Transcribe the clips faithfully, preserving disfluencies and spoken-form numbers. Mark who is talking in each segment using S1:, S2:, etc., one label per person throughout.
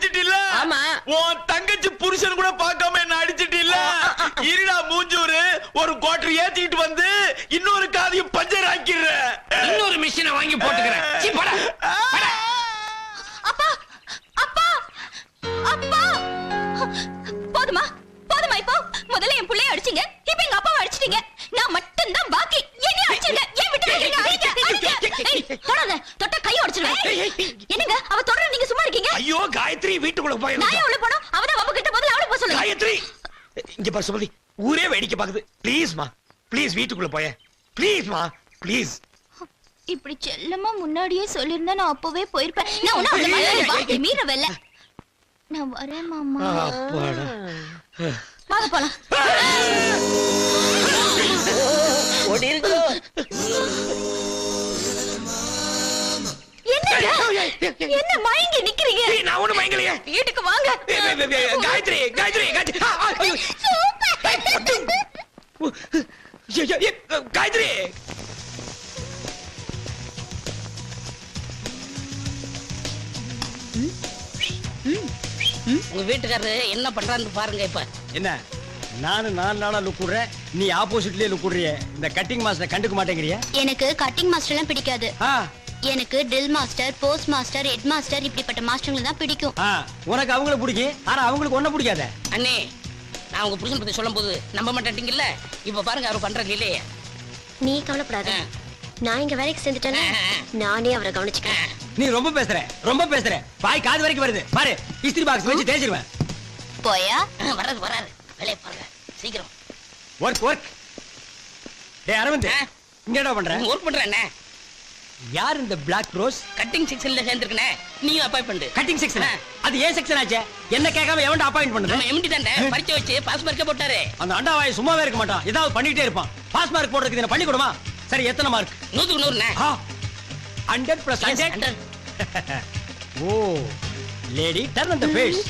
S1: அடிச்சிட்டில்ல?
S2: ஆமா.
S1: உன் தங்கச்சி புருஷன் கூட பார்க்காம என்ன அடிச்சிட்டில்ல? இருடா மூஞ்சூரு, ஒரு குவார்டர் ஏத்திட்டு வந்து இன்னொரு காதையும் பஞ்சர் ஆக்கிடுற.
S2: இன்னொரு மிஷினை வாங்கி போட்டுக்கிறேன். சீ, போடா, போடா.
S3: அப்பா அப்பா அப்பா போதுமா போதுமா இப்போ முதல்ல என் புள்ளைய அடிச்சீங்க, இப்போ எங்க அப்பாவை அடிச்சிட்டீங்க. நான் மட்டும் தான் பாக்கி. என்னைய அடிச்சீங்க, ஏன் விட்டு வைக்கிறீங்க? அடிங்க, அடிங்க. ஏய், தொடாத, தொட்டா கை உடைச்சிடுவேன். என்னங்க அவ தொடர, நீங்க சும்மா இருக்கீங்க?
S1: ஐயோ காயத்ரி, வீட்டுக்குள்ள போய்
S3: நான் ஏன் உள்ள போணும்? அவதான் அவ கிட்ட முதல்ல அவளை போக சொல்லுங்க.
S1: காயத்ரி, இங்க பாரு சுமதி, ஊரே வேடிக்கை பாக்குது. ப்ளீஸ் மா, ப்ளீஸ் வீட்டுக்குள்ள போய, ப்ளீஸ் மா, ப்ளீஸ்.
S3: இப்படி செல்லமா முன்னாடியே சொல்லிருந்தா நான் அப்பவே போயிருப்பேன். நான் உன்ன அந்த மாதிரி வாக்கி மீறவல்ல. நான் வரேன் மாமா.
S1: அப்பாடா.
S3: வாங்க போலாம்.
S2: ஓடிருங்க.
S3: என்னங்க என்ன மயங்கி நிக்கிறீங்க?
S1: ஏய், நான் ஒண்ணு மயங்கலையே.
S3: வீட்டுக்கு வாங்க.
S1: ஏய், ஏய், ஏய், ஏய், காயத்ரி, காயத்ரி, காயத்ரி. ஆ, ஆ, ஐயோ. ஏய், பட்டு. ஏய், ஏய், ஏய், காயத்ரி.
S2: உங்க வீட்டுக்காரரு என்ன பண்றான்னு பாருங்க. இப்ப
S4: என்ன நானு நாலு நாளா லுக் விடுறேன், நீ ஆப்போசிட்லயே லுக் விடுறிய. இந்த கட்டிங் மாஸ்டர் கண்டுக்க மாட்டேங்கிறிய?
S3: எனக்கு கட்டிங் மாஸ்டர் எல்லாம் பிடிக்காது.
S4: ஆ,
S3: எனக்கு drill master, post master, head master இப்படிப்பட்ட மாஸ்டர்களை தான் பிடிக்கும்.
S4: ஆ, உனக்கு அவங்கள பிடிக்கும், ஆனா அவங்களுக்கு ஒன்ன பிடிக்காத.
S2: அண்ணே, நான் உங்க புருஷன் பத்தி சொல்லும் போது நம்ப மாட்டேங்கல்ல. இப்ப பாருங்க அவர் பண்றது இல்லையே.
S3: நீ கவலைப்படாத, நான் இங்க வேலைக்கு சேர்ந்துட்டேன்னா நானே அவரை கவனிச்சுக்கிறேன்.
S4: நீ ரொம்ப பேசுற, ரொம்ப பேசுற. பாய் காது வரைக்கும் வருது பாரு. இஸ்திரி பாக்ஸ் வச்சு தேய்ச்சிருவேன்.
S3: போயா
S2: வராது வராது. வேலையை பாருங்க சீக்கிரம்.
S4: Work work. டேய் அரவிந்த், இங்க என்ன பண்ற?
S2: ஒர்க் பண்றேன்.
S4: யார் இந்த பிளாக் ரோஸ்?
S2: கட்டிங் செக்ஷன்ல சேர்ந்திருக்கனே, நீயும் அப்பாயிண்ட் பண்ணு.
S4: Cutting section? அது ஏன் செக்ஷன் ஆச்சே? என்ன கேட்காம எவன்டா அப்பாயிண்ட் பண்ணது?
S2: நம்ம எம்டி தானே பரிச்சை வச்சு பாஸ் மார்க்கே போட்டாரு.
S4: அந்த அண்டாவாய் சும்மாவே இருக்க மாட்டான், ஏதாவது பண்ணிட்டே இருப்பான். பாஸ் மார்க் போடுறதுக்கு என்ன பண்ணி கொடுமா? சரி, எத்தனை மார்க்?
S2: நூத்துக்கு நூறுண்ணே.
S4: Hundred plus hundred. Oh lady, turn on the face.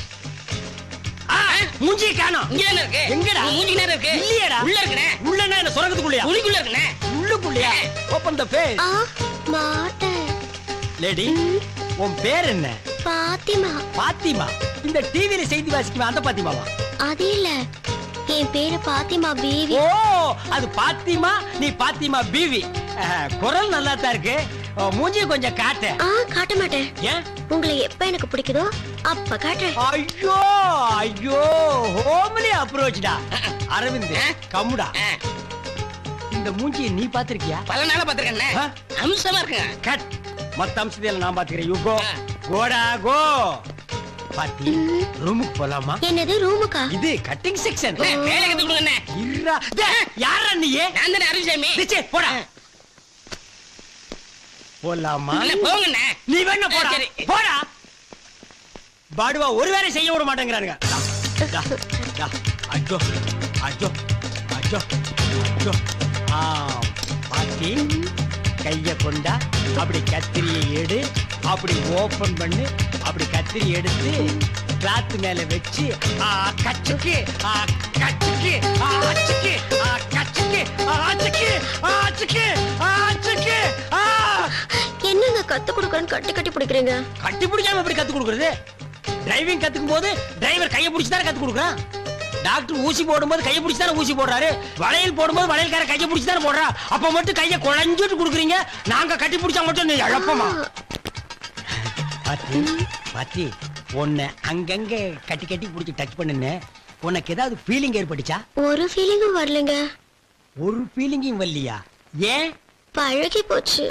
S4: மூஞ்சி காணோம்.
S2: இங்க தான இருக்கு.
S4: எங்கடா?
S2: மூஞ்சி நேரா இருக்கு.
S4: இல்லையேடா.
S2: உள்ள இருக்குனே.
S4: உள்ளனா என்ன சொரகத்துக்குள்ளயா?
S2: உளிக்குள்ள இருக்குனே.
S4: உள்ளுக்குள்ளயா? ஓபன் தி ஃபேஸ்.
S3: ஆ மாட்டேன்.
S4: லேடி, உன் பேர் என்ன?
S3: பாத்திமா.
S4: பாத்திமா? இந்த டிவில செய்தி வாசிக்குமா அந்த பாத்திமாவா?
S3: அது இல்ல, என் பேரு பாத்திமா பீவி.
S4: ஓ, அது பாத்திமா, நீ பாத்திமா பீவி. குரல் நல்லா தான் இருக்கு. மூஞ்சி கொஞ்சம் காட்டு.
S3: ஆ காட்ட மாட்டேன்.
S4: ஏன்?
S3: உங்களை எப்ப எனக்கு பிடிக்குதோ அப்ப காட்டுறேன்.
S4: ஐயோ ஐயோ, ஹோம்லி அப்ரோச்டா. அரவிந்த் கம்முடா. இந்த மூஞ்சியை நீ பாத்திருக்கியா?
S2: பல நாளா பாத்துக்கண்ணே. அம்சமா இருக்குங்க.
S4: கட். மத்த அம்சத்தையெல்லாம் நான் பாத்துக்கிறேன். You go. கோடா கோ. பாத்தி, ரூமுக்கு போலாமா?
S3: என்னது ரூமுக்கா?
S4: இது கட்டிங் செக்ஷன்.
S2: வேலை கத்து கொடுங்கண்ணே.
S4: இருடா. யாரா நீ?
S2: நான் தானே அருள்சாமி.
S4: டிச்சே போடா. போலாமா?
S2: போங்கண்ணே.
S4: நீ வேணா போடா.
S2: சரி.
S4: போடா. பாடுவா ஒரு வேலை செய்ய விட மாட்டேங்கிறானுங்க. ஐயோ ஐயோ ஐயோ ஐயோ. ஆ, பாத்தி, கைய கொண்டா, அப்படி கத்திரியை எடு, அப்படி ஓபன் பண்ணு, அப்படி கத்திரி எடுத்து கிளாத் மேல வச்சு ஆ கச்சுக்கு ஆ கச்சுக்கு ஆ அச்சுக்கு ஆ கச்சுக்கு ஆ அச்சுக்கு ஆ அச்சுக்கு ஆ அச்சுக்கு ஆ.
S3: என்னங்க கத்து கொடுக்கறேன்னு கட்டி கட்டி பிடிக்கிறீங்க?
S4: கட்டி பிடிக்காம எப்படி கத்து கொடுக்கறது? டிரைவிங் கத்துக்கும் போது டிரைவர் கையை பிடிச்சு தானே கத்து கொடுக்குறான். டாக்டர் ஊசி போடும்போது கையை பிடிச்சு தானே ஊசி போடுறாரு. வளையல் போடும்போது வளையல்கார கையை பிடிச்சு தானே போடுறா. அப்ப மட்டும் கையை குழஞ்சிட்டு கொடுக்குறீங்க. நாங்க கட்டி பிடிச்சா மட்டும் நீ இழப்பமா? பாத்தி பாத்தி, உன்னை அங்கங்க கட்டி கட்டி பிடிச்சி டச் பண்ணுன்னு உனக்கு ஏதாவது ஃபீலிங் ஏற்பட்டுச்சா?
S3: ஒரு ஃபீலிங்கும் வரலங்க.
S4: ஒரு ஃபீலிங்கும் வரலையா? ஏன்?
S3: பழகி போச்சு.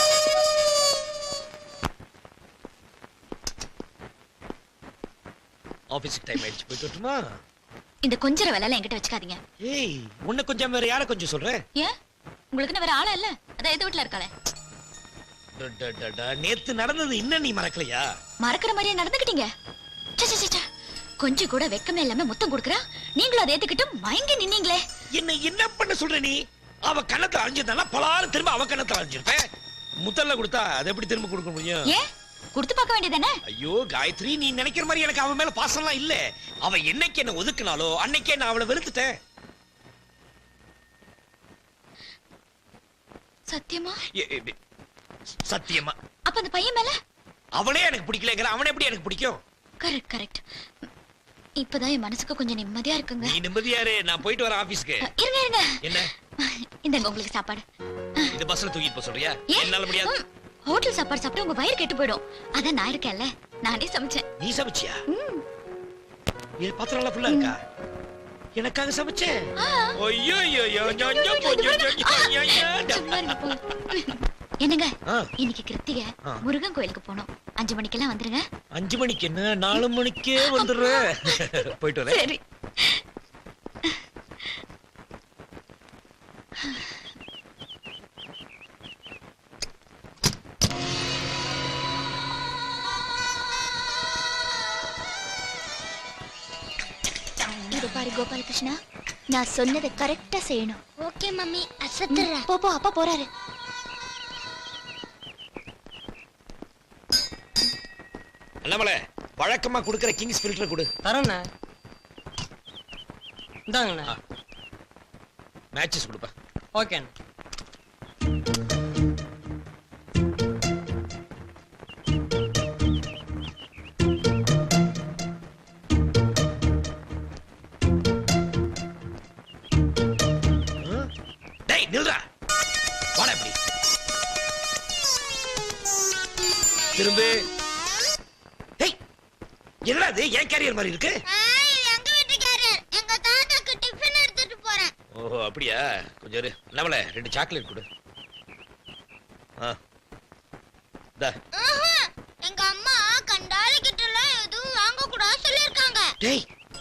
S1: ஆபீஸ்க்கு டைம் ஆயிடுச்சு, போயிட்டு வரட்டுமா?
S3: இந்த கொஞ்சர வேலை எல்லாம் என்கிட்ட வச்சுக்காதீங்க.
S1: ஏய், உன்னை கொஞ்சம் வேற யாரை கொஞ்சம் சொல்றேன்?
S3: ஏன்? உங்களுக்கு வேற ஆளா இல்ல? அத எது வீட்ல இருக்காளே.
S1: நேத்து நடந்தது இன்னும் நீ மறக்கலையா?
S3: மறக்கிற மாதிரியே நடந்துக்கிட்டீங்க. கொஞ்சம் கூட வெக்கமே இல்லாம முத்தம் கொடுக்கறா, நீங்களும் அதை ஏத்துக்கிட்டு மயங்கி நின்னீங்களே.
S1: என்ன என்ன பண்ண சொல்ற நீ? அவ கண்ணத்தை அழிஞ்சிருந்தா பலாறு திரும்ப அவ கண்ணத்தை அழிஞ்சிருப்பேன். முத்தல்ல கொடுத்தா அதை எப்படி திரும்ப கொடுக்க முடியும்?
S3: ஏன் கொடுத்து பார்க்க வேண்டியதானே?
S1: ஐயோ காயத்ரி, நீ நினைக்கிற மாதிரி எனக்கு அவன் மேல பாசம்லாம் இல்ல. அவ என்னைக்கு என்ன ஒதுக்குனாலோ அன்னைக்கே நான் அவளை வெறுத்துட்டேன்.
S3: சத்தியமா?
S1: சத்தியமா.
S3: அப்ப அந்த பையன் மேல?
S1: அவளே எனக்கு பிடிக்கலங்கிற, அவனை எப்படி எனக்கு பிடிக்கும்?
S3: Correct correct. இப்பதான் என் மனசுக்கு கொஞ்சம் நிம்மதியா இருக்குங்க.
S1: நீ நிம்மதியாரு, நான் போயிட்டு வரேன் ஆபீஸ்க்கு.
S3: அ, இருங்க இருங்க.
S1: என்ன
S3: இந்தங்க உங்களுக்கு சாப்பாடு.
S1: இந்த பஸ்ல தூக்கிட்டு போக சொல்றியா?
S3: ஏன்?
S1: என்னால முடியாது.
S3: ம், ஹோட்டல் சாப்பாடு சாப்பிட்டு உங்க வயிறு கெட்டு போயிடும். அதான் நான் இருக்கேன்ல, நானே சமைச்சேன்.
S1: நீ சமைச்சியா?
S3: ம்.
S1: என் பாத்திரம் எல்லாம் ஃபுல்லா இருக்கா? எனக்காக சமைச்சேன்.
S3: ஆ.
S1: ஐயோ ஐயோ ஐயோ ஐயோ ஐயோ ஐயோ ஐயோ.
S3: சும்மா இருங்க, போங்க. என்னங்க
S1: ஆ.
S3: இன்னைக்கு கிருத்திகை,
S1: ஆ.
S3: முருகன் கோயிலுக்கு போனோம். அஞ்சு மணிக்கெல்லாம் வந்துருங்க.
S1: அஞ்சு மணிக்கு என்ன, நாலு மணிக்கே வந்துடுறேன். போயிட்டு வரேன்.
S3: சரி. இது பாரு கோபாலகிருஷ்ணா, நான் சொன்னதை கரெக்டா செய்யணும். ஓகே மம்மி, அசத்துறேன். போ போ, அப்பா போறாரு.
S1: அண்ணாமலை, வழக்கமா குடுக்கிற கிங்ஸ் ஃபில்டர் கொடு.
S2: தரேண்ணே. இந்தாங்கண்ணே.
S1: மேட்சஸ் கொடுப்பா.
S2: ஓகேண்ணே.
S1: டேய் நில்றா. வாடா இப்படி. திரும்ப. டேய் என்னடா இது, ஏன் கேரியர் மாதிரி இருக்கு?
S3: எங்க வீட்டு கேரியர், எங்க தாத்தாக்கு டிஃபன் எடுத்துட்டு போறேன்.
S1: ஓஹோ அப்படியா, கொஞ்சம் இரு. அண்ணாமலை ரெண்டு சாக்லேட் கொடு. ஆ டா.
S3: எங்க அம்மா கண்டாலி கிட்ட எல்லாம் எதுவும் வாங்க கூடாது சொல்லிருக்காங்க.
S1: டேய்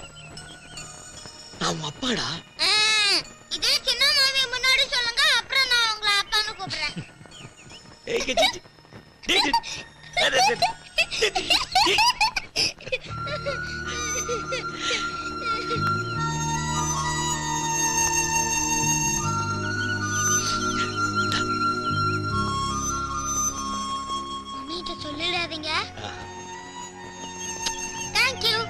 S1: நான் உன் அப்பாடா.
S3: இதே சின்ன மாமி முன்னாடி சொல்லுங்க, அப்புறம் நான் உங்களை அப்பான்னு கூப்பிடுறேன்.
S1: ஏய் கே- டேய் டேய் டேய். டேய், டேய், டேய், டேய், டேய்.
S3: மம்மிட்ட சொல்லிடாதீங்க.
S1: ஆ.
S3: Thank you.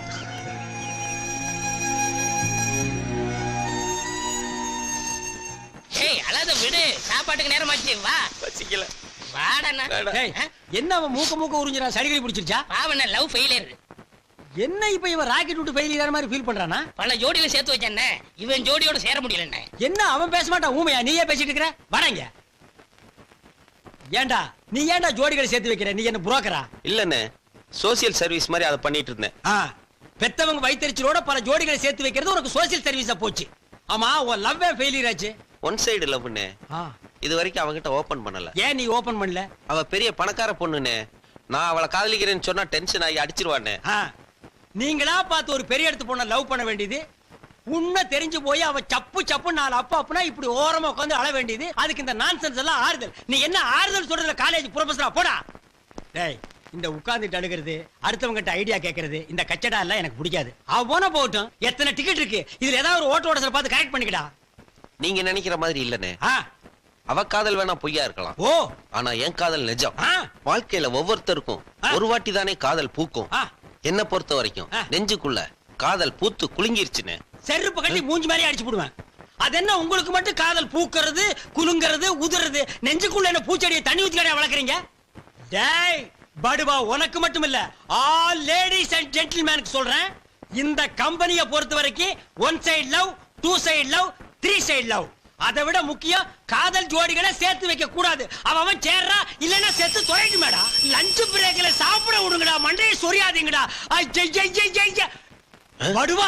S2: ஏய் அழாத விடு, சாப்பாட்டுக்கு நேரமாச்சு. வா
S1: பசிக்கல.
S2: வாடண்ணா.
S1: வேண்டாம்.
S4: டேய், என்ன அவன் மூக்க மூக்க உறிஞ்சிரா, சளிகடி பிடிச்சிருச்சா?
S2: பாவண்ண லவ் ஃபெயிலியர்.
S4: என்ன இப்ப இவன் ராக்கெட் விட்டு ஃபெயிலியர் மாதிரி ஃபீல் பண்றானா?
S2: பல ஜோடியில சேர்த்து வச்சேண்ணே, இவன் ஜோடியோட சேர முடியலண்ணே.
S4: என்ன அவன் பேச மாட்டான், ஊமையா நீயே பேசிட்டு இருக்கிற? வராங்க. ஏன்டா நீ ஏன்டா ஜோடிகளை சேர்த்து வைக்கிற? நீ என்ன புரோக்கரா?
S5: இல்லண்ணே, சோசியல் சர்வீஸ் மாதிரி அதை பண்ணிட்டு இருந்தேன்.
S4: ஆ, பெத்தவங்க வயித்தறிச்சலோட பல ஜோடிகளை சேர்த்து வைக்கிறது உனக்கு சோசியல் சர்வீஸா போச்சு. ஆமா, உன் லவ்வே ஃபெயிலியர் ஆச்சு.
S5: ஒன் சைடு லவ்னே.
S4: ஆ,
S5: இது வரைக்கும் அவகிட்ட ஓபன் பண்ணல.
S4: ஏன் நீ ஓபன் பண்ணல?
S5: அவ பெரிய பணக்கார பொண்ணுனே. நான் அவளை காதலிக்கிறேன்னு சொன்னா டென்ஷன் ஆகி அடிச்சிருவானே.
S4: ஆ, நீங்களா பார்த்து ஒரு பெரிய இடத்து பொண்ண லவ் பண்ண வேண்டியது, உன்னை தெரிஞ்சு போய் அவ சப்பு சப்பு நாலு அப்பா அப்பனா இப்படி ஓரமா உட்காந்து அழ வேண்டியது. அதுக்கு இந்த நான்சென்ஸ் எல்லாம் ஆறுதல். நீ என்ன ஆறுதல் சொல்றதுல காலேஜ் ப்ரொஃபஸரா போடா. டேய், இந்த உட்கார்ந்துட்டு அழுகிறது, அடுத்தவங்க கிட்ட ஐடியா கேட்கறது, இந்த கச்சடா எல்லாம் எனக்கு பிடிக்காது. அவ போன போகட்டும். எத்தனை டிக்கெட் இருக்கு, இதுல ஏதாவது ஒரு ஓட்ட ஓட பார்த்து கரெக்ட் பண்ணிக்கடா.
S5: நீங்க நினைக்கிற மாதிரி இல்லனே.
S4: ஆ,
S5: அவ காதல் வேணா பொய்யா இருக்கலாம்,
S4: ஓ,
S5: ஆனா என் காதல் நிஜம்.
S4: ஆ,
S5: வாழ்க்கையில ஒவ்வொருத்தருக்கும்
S4: ஆ.
S5: ஒரு வாட்டி தானே காதல் பூக்கும்.
S4: ஆ,
S5: என்ன பொறுத்த வரைக்கும்
S4: ஆ.
S5: நெஞ்சுக்குள்ள காதல் பூத்து குலுங்கிருச்சுன்னு.
S4: செருப்பு கட்டி மூஞ்சி மாதிரி அடிச்சு போடுவேன். அது என்ன உங்களுக்கு மட்டும் காதல் பூக்கிறது, குலுங்கிறது, உதுறது? நெஞ்சுக்குள்ள என்ன பூச்செடியை தண்ணி ஊத்தி கடையா வளர்க்குறீங்க? டேய் படுவா, உனக்கு மட்டும் இல்ல, ஆல் லேடிஸ் அண்ட் ஜென்டில்மேனுக்கு சொல்றேன். இந்த கம்பெனியை பொறுத்த வரைக்கும் one side love, two side love, three side love. அதை விட முக்கியம், காதல் ஜோடிகளை சேர்த்து வைக்க கூடாது. அவன் அவன் சேர்றா, இல்லன்னா செத்து தொலைட்டு மேடா. லஞ்ச் பிரேக்ல சாப்பிட விடுங்கடா, மண்டையை சொரியாதீங்கடா. ஐயா படுவா.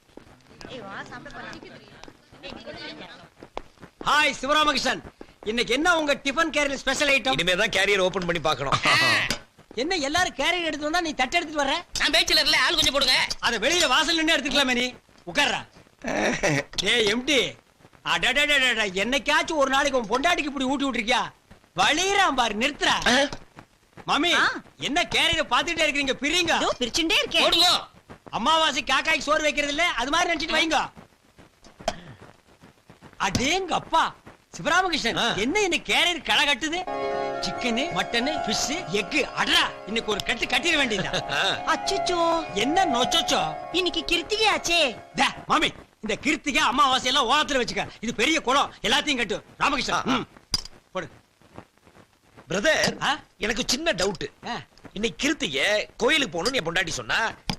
S4: ஹாய் சிவராமகிருஷ்ணன், இன்னைக்கு என்ன உங்க டிபன் கேரியர் ஸ்பெஷல் ஐட்டம்?
S1: இனிமே தான் கேரியர் ஓபன் பண்ணி பார்க்கணும்.
S4: என்ன எல்லாரும் கேரியர் எடுத்து வந்தா நீ தட்டு எடுத்துட்டு வர்ற?
S2: நான் பேச்சுலர்ல ஆள் கொஞ்சம் போடுங்க.
S4: அத வெளியில வாசல் நின்னு எடுத்துக்கலாமே, நீ உட்கார்றா. டேய் எம்டி, அடடடடட, என்னைக்காச்சும் ஒரு நாளைக்கு உன் பொண்டாட்டிக்கு இப்படி ஊட்டி விட்டுருக்கியா? வலிறான் பாரு, நிறுத்துறா. மாமி, என்ன கேரியர் பாத்துட்டே இருக்கீங்க? பிரிங்க.
S3: பிரிச்சுட்டே இருக்கேன்.
S2: போடுங்க.
S4: அம்மாவாசை காக்காய்க்கு சோறு வைக்கிறது இல்ல, அது மாதிரி நினைச்சிட்டு வைங்க. அடேங்க அப்பா, சிவராமகிருஷ்ணன்,
S1: ஆ.
S4: என்ன இன்னைக்கு கேரியர் களை கட்டுது? Chicken, mutton, fish, egg. அடடா, இன்னைக்கு ஒரு கட்டு கட்டிட வேண்டியதா?
S3: அச்சச்சோ,
S4: என்ன நொச்சோச்சோ?
S3: இன்னைக்கு கிருத்திகை ஆச்சே.
S4: டே, மாமி, இந்த கிருத்திகை அமாவாசை எல்லாம் ஓரத்துல வச்சுக்க. இது பெரிய குளம், எல்லாத்தையும் கட்டு. ராமகிருஷ்ணன், ம், போடு.
S1: பிரதர்,
S4: ஆ?
S1: எனக்கு சின்ன டவுட்.
S4: ஆ.
S1: இன்னைக்கு கிருத்திகை கோயிலுக்கு போகணும்னு என் பொண்டாட்டி சொன்னா,